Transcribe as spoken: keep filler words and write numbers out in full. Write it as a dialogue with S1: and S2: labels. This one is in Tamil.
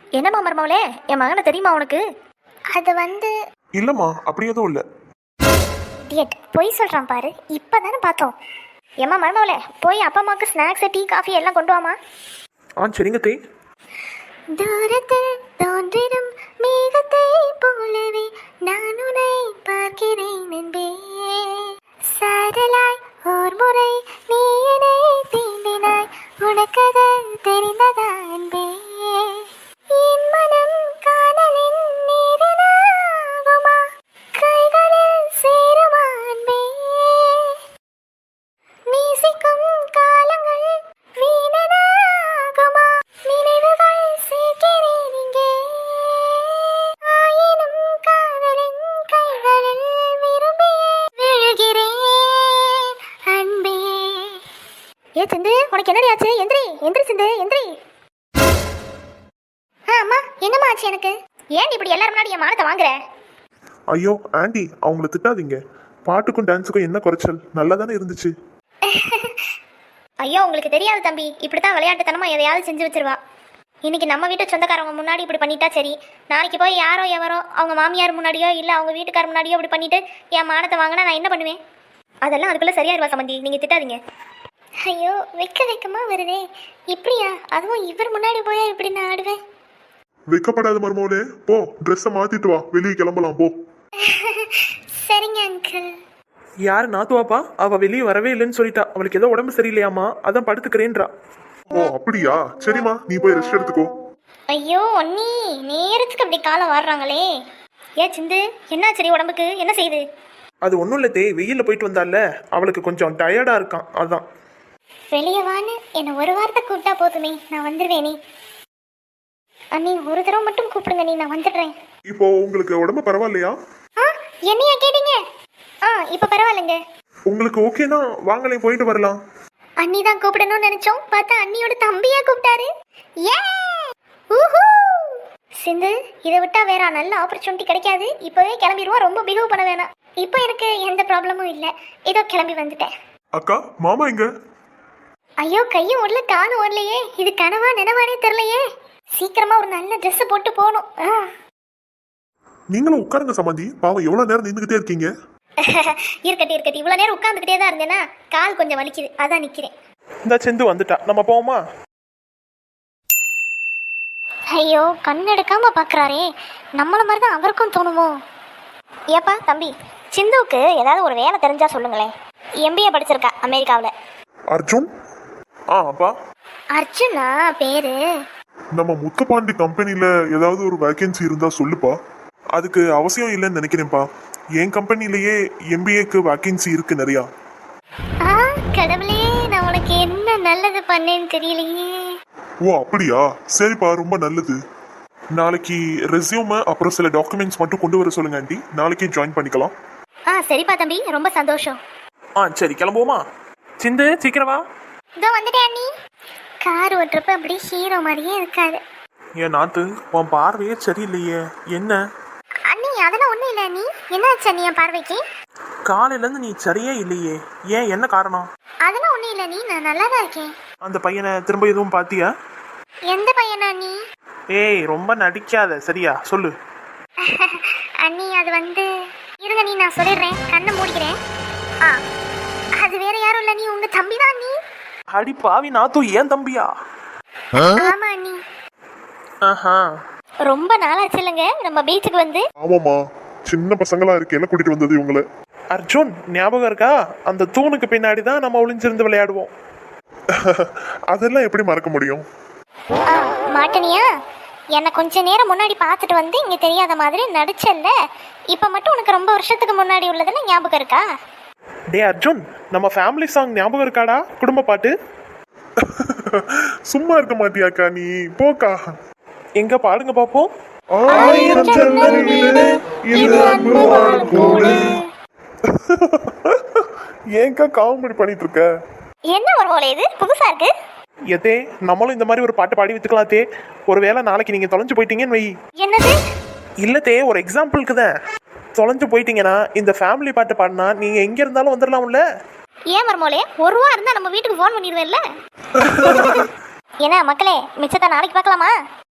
S1: என்னம்மா மருமவளே, என் மகனை தெரியுமா உனக்கு?
S2: அது வந்து
S3: இல்லம்மா, அப்படி எதுவும் இல்லை.
S2: டியட் பொய் சொல்கிறான் பாரு, இப்போ தானே பார்த்தோம்.
S1: ஏம்மா மருமவளே, போய் அப்பா அம்மாவுக்கு ஸ்நாக்ஸு டீ காஃபி எல்லாம் கொண்டு வாமா.
S3: ஆ சரிங்க தே.
S2: தூரத்தில் தோன்றிடும் மேகத்தை போலவே நான் உன்னை பார்க்கிறேன் என்பே, சாரலாய் ஓர் முறை நீ என்னை தீண்டினாய், உனக்கது தெரிந்ததா என்பே, என் மனம் காதலின் நீரினாகுமா, கைகளில் சேருமா என்பே, நேசிக்கும் காலங்கள் வீணனாகுமா, நினைவுகள் சேர்க்கிறேன் இங்கே, ஆயினும் காதலின் கைகளில் விரும்பி விழுகிறேன் அன்பே.
S1: ஏ சிந்து, உனக்கு என்னடி ஆச்சு? எந்திரி எந்திரி சிந்து, எந்திரி.
S2: ஆ அம்மா, என்னம்மா ஆச்சு எனக்கு?
S1: ஏன் இப்படி எல்லாரும் முன்னாடி என் மானத்தை வாங்குற?
S3: ஐயோ ஆண்டி, அவங்கள திட்டாதீங்க. பாட்டுக்கும் டான்ஸுக்கும் என்ன குறைச்சல்? நல்லா தானே இருந்துச்சு.
S1: ஐயோ உங்களுக்கு தெரியாது தம்பி, இப்படித்தான் விளையாட்டுத்தனமா எதையாவது செஞ்சு வச்சிருவா. இன்னைக்கு நம்ம வீட்டு சொந்தக்காரவங்க முன்னாடி இப்படி பண்ணிட்டா சரி, நாளைக்கு போய் யாரோ எவரோ அவங்க மாமியார் முன்னாடியோ இல்லை அவங்க வீட்டுக்கார முன்னாடியோ இப்படி பண்ணிட்டு என் மானத்தை வாங்கினா நான் என்ன பண்ணுவேன்? அதெல்லாம் அதுக்குள்ள சரியாயிருவா சம்பந்தி, நீங்க திட்டாதீங்க.
S2: ஐயோ வெக்க வெக்கமா வருதே, இப்படியா? அதுவும் இவர் முன்னாடி போயா இப்படி நான் ஆடுவேன்?
S3: வெக்கப்படாத மருமோனே, போ ட்ரெஸ்ஸை மாத்திட்டு வா, வெளியே கிளம்பலாம் போ.
S2: சரிங்க அங்கிள்.
S4: யாரு நாத்துவாப்பா? அவ வெளியே வரவே இல்லைன்னு சொல்லிட்டா. அவளுக்கு ஏதோ உடம்பு சரியில்லையாமா, அதான் படுத்துக்கிறேன்றா.
S3: ஓ அப்படியா? சரிம்மா, நீ போய் ரெஸ்ட் எடுத்துக்கோ.
S1: ஐயோ ஒன்னி, நேரத்துக்கு அப்படி காலம் வாடுறாங்களே. ஏ சிந்து, என்ன சரி உடம்புக்கு என்ன செய்யுது?
S4: அது ஒன்றும் இல்லை தே, வெயிலில் போயிட்டு வந்தால அவளுக்கு கொஞ்சம் டயர்டா இருக்கான், அதான்.
S2: வெளியே வான்னு என்னை ஒரு வாரத்தை கூப்பிட்டா போதுமே, நான் வந்துடுவேனே. அண்ணி ஒரு தடவை மட்டும் கூப்பிடுங்க, நீ நான் வந்துடுறேன்.
S3: இப்போ உங்களுக்கு உடம்பு பரவாயில்லையா?
S2: ஆ என்னையா கேட்டீங்க?
S1: ஆ இப்போ பரவாயில்லைங்க.
S3: உங்களுக்கு ஓகேனா வாங்களே போயிட்டு வரலாம்.
S2: அண்ணி தான் கூப்பிடணும்னு நினைச்சோம், பார்த்தா அண்ணியோட தம்பியா கூப்பிட்டாரு. ஏ ஊஹூ.
S1: சிந்து, இதை விட்டா வேற நல்ல ஆப்பர்ச்சுனிட்டி கிடைக்காது. இப்போவே கிளம்பிடுவோம், ரொம்ப பிஹேவ் பண்ண வேணாம்.
S2: இப்போ எனக்கு எந்த ப்ராப்ளமும் இல்லை, ஏதோ கிளம்பி வந்துட்டேன்.
S3: அக்கா, மாமா எங்க?
S2: ஐயோ கையும் ஓடல காலும் ஓடலையே, இது கனவா நினைவானே தெரியலையே. சீக்கிரமா ஒரு நல்ல ட்ரெஸ் போட்டு போகணும். ஆ
S3: நீங்களும் உட்காருங்க சம்பந்தி, பாவம் எவ்வளவு நேரம் நின்றுகிட்டே இருக்கீங்க.
S1: இருக்கட்டி இருக்கட்டி, இவ்வளோ நேரம் உட்காந்துக்கிட்டே தான் இருந்தேன்னா கால் கொஞ்சம் வலிக்குது, அதான் நிற்கிறேன்.
S4: இந்த செந்து வந்துட்டா, நம்ம போவோமா?
S2: ஐயோ கண் எடுக்காம பாக்குறாரே, நம்மள மாதிரி தான் அவருக்கும் தோணுமோ?
S1: ஏப்பா தம்பி, சிந்துவுக்கு ஏதாவது ஒரு வேலை தெரிஞ்சா சொல்லுங்களேன். எம்பிஏ படிச்சிருக்கா அமெரிக்காவில்.
S3: அர்ஜுன்? ஆ அப்பா,
S2: அர்ஜுனா பேரு?
S3: நம்ம முத்துப்பாண்டி கம்பெனில ஏதாவது ஒரு வேகன்சி இருந்தா சொல்லுப்பா. அதுக்கு அவசியம் இல்லைன்னு நினைக்கிறேன்ப்பா. என் கம்பெனிலேயே எம்பிஏக்கு வேகன்சி இருக்கு நிறையா.
S2: ஆ கடவுளே, நான் உனக்கு என்ன நல்லது பண்ணேன்னு தெரியலையே.
S3: ஓ அப்படியா? சரிப்பா, ரொம்ப நல்லது. நாளைக்கு ரெஸ்யூம் அப்புறம் சில டாக்குமெண்ட்ஸ் மட்டும் கொண்டு வர சொல்லுங்க ஆண்டி, நாளைக்கே ஜாயின் பண்ணிக்கலாம்.
S1: ஆ சரிப்பா தம்பி, ரொம்ப சந்தோஷம்.
S4: ஆ சரி கிளம்புவோமா? சிந்து சீக்கிரம் வா.
S2: இதோ வந்துட்டேன் அண்ணி. கார் ஓட்டுறப்ப அப்படியே ஹீரோ மாதிரியே இருக்காரு.
S4: ஏன் நாத்து, உன் பார்வையே சரியில்லையே, என்ன?
S2: அண்ணி அதெல்லாம் ஒண்ணும் இல்லை அண்ணி. என்னாச்சு அண்ணி என் பார்வைக்கு?
S4: காலையில இருந்து நீ சரியே இல்லையே, ஏன், என்ன காரணம்?
S2: அதெல்லாம் ஒண்ணும் இல்லை அண்ணி, நான் நல்லா தான் இருக்கேன்.
S4: அந்த பையனை திரும்ப எதுவும் பாத்தியா?
S2: எந்த பையனா அண்ணி?
S4: ஏய் ரொம்ப நடிக்காத, சரியா சொல்லு.
S2: அண்ணி அது வந்து, இருங்க நீ நான் சொல்லிடுறேன், கண்ணை மூடிக்கிறேன். ஆ அது வேற யாரும் இல்லை, நீ உங்க தம்பி தான் அண்ணி.
S4: அடி பாவி நாத்து, ஏன் தம்பியா?
S2: ஆமா அண்ணி.
S4: ஆஹா,
S1: ரொம்ப நாளாச்சு இல்லைங்க நம்ம பீச்சுக்கு வந்து.
S3: ஆமாம்மா, சின்ன பசங்களா இருக்கேன் கூட்டிட்டு வந்தது இவங்களை.
S4: அர்ஜுன் ஞாபகம் இருக்கா? அந்த தூணுக்கு பின்னாடி தான் நம்ம ஒளிஞ்சிருந்து விளையாடுவோம்.
S3: அதெல்லாம் எப்படி மறக்க முடியும்?
S1: ஆ மாட்டனியா, என்னை கொஞ்ச நேரம் முன்னாடி பார்த்துட்டு வந்து இங்கே தெரியாத மாதிரி நடிச்சல்ல, இப்போ மட்டும் உனக்கு ரொம்ப வருஷத்துக்கு முன்னாடி உள்ளதெல்லாம் ஞாபகம் இருக்கா?
S4: டே அர்ஜுன், நம்ம ஃபேமிலி சாங் ஞாபகம் இருக்காடா, குடும்ப பாட்டு?
S3: சும்மா இருக்க மாட்டியாக்கா நீ, போக்கா.
S4: எங்க பாடுங்க பாப்போம்.
S3: ஆயிரம் ஜன்னல்களிலே இது அன்பு வாழும் கூடு. ஏன்க்கா காமெடி பண்ணிட்டு இருக்க?
S1: என்ன ஒரு போல இது புதுசா இருக்கு.
S4: எதே, நம்மளும் இந்த மாதிரி ஒரு பாட்டு பாடி வித்துக்கலாம் தே. ஒருவேளை நாளைக்கு நீங்க தொலைஞ்சு போயிட்டீங்கன்னு வை.
S1: என்னது?
S4: இல்ல தே, ஒரு எக்ஸாம்பிளுக்கு தான். தொலைஞ்சு போயிட்டீங்கன்னா இந்த ஃபேமிலி பாட்டு பாடினா நீங்க எங்க இருந்தாலும் வந்துடலாம்ல.
S1: ஏன் மர்மோலே, ஒரு ரூபா இருந்தா நம்ம வீட்டுக்கு ஃபோன் பண்ணிடுவேன்ல. என்ன மக்களே, மிச்சத்தை நாளைக்கு பார்க்கலாமா?